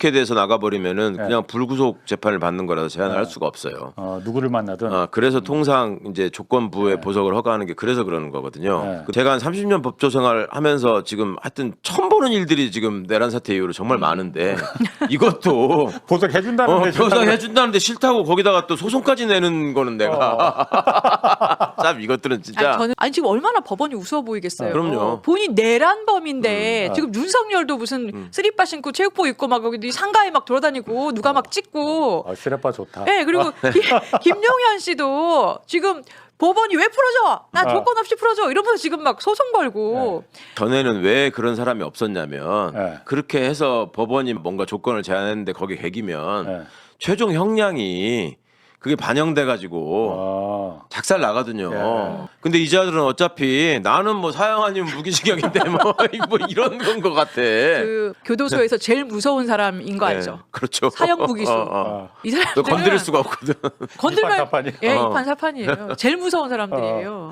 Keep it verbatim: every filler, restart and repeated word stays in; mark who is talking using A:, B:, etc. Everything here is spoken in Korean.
A: 돼서 나가버리면은
B: 네.
A: 그냥 불구속 재판을 받는 거라서 제한을
B: 네.
A: 할 수가 없어요.
B: 어, 누구를 만나든.
A: 아, 그래서 통상 이제 조건부에
B: 네.
A: 보석을 허가하는 게 그래서 그러는 거거든요.
B: 네.
A: 그 제가 한 삼십 년 법조 생활 하면서 지금 하여튼 처음 보는 일들이 지금 내란 사태 이후로 정말 많은데 이것도
B: 보석해준다는데
A: 어, 보석해준다는데 싫다고 거기다가 또 소송까지 내는 거는 내가 참 이것들은 진짜
C: 아니, 저는 아니 지금 얼마나 법원이 우스워 보이겠어요.
A: 아, 그럼요.
C: 본인 내란범인데
B: 음, 아.
C: 지금 윤석열도 무슨
A: 음.
C: 쓰리빠 신고 체육복 입고 막 여기 상가에 막 돌아다니고 누가 막 찍고.
B: 어, 시레빠 좋다.
C: 네, 그리고 김, 김용현 씨도 지금 법원이 왜 풀어줘? 나
B: 아.
C: 조건 없이 풀어줘. 이러면서 지금 막 소송 걸고.
A: 전에는 왜 그런 사람이 없었냐면
B: 네.
A: 그렇게 해서 법원이 뭔가 조건을 제안했는데 거기 개기면
B: 네.
A: 최종 형량이 그게 반영돼 가지고
B: 아.
A: 작살 나거든요.
B: 예.
A: 근데 이 자들은 어차피 나는 뭐 사형 아니면 무기징역인데 뭐, 뭐 이런 건 것 같아.
C: 그 교도소에서 제일 무서운 사람인 거
A: 네,
C: 알죠?
A: 그렇죠.
C: 사형 무기수.
A: 어, 어.
B: 아.
C: 이
A: 너
C: 사람들은
A: 건드릴 수가 없거든.
C: 건들면
B: 이판사판이.
C: 예,
A: 어.
C: 이판사판이에요. 제일 무서운 사람들이에요.